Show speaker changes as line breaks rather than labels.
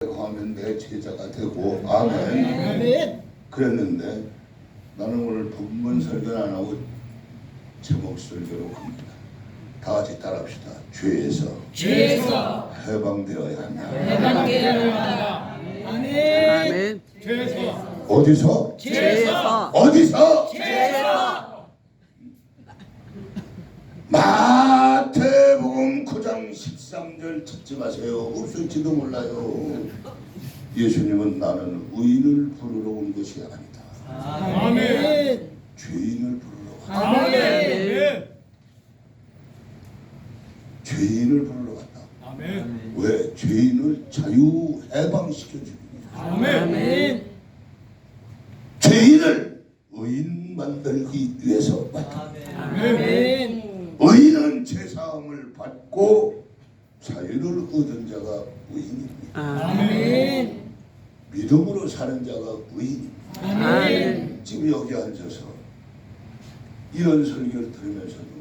하면 내 제자가 되고 아멘. 그랬는데 나는 오늘 본문 설교는 안 하고 제목 설교로 합니다. 다 같이 따라합시다. 죄에서 해방되어야 한다.
아멘.
어디서?
죄에서.
어디서? 마태복음 9장 13절 찾지 마세요. 없을지도 몰라요. 예수님은 나는 의인을 부르러 온 것이 아니다.
아멘.
죄인을 부르러 왔다.
아멘.
죄인을 부르러 왔다.
아멘.
왜? 죄인을 자유 해방시켜주기 위해.
아멘.
죄인을 의인 만들기 위해서 왔다.
아멘.
의인은 제사함을 받고 자유를 얻은 자가 의인입니다.
아멘.
믿음으로 사는 자가 의인입니다.
아멘.
지금 여기 앉아서 이런 설교를 들으면서도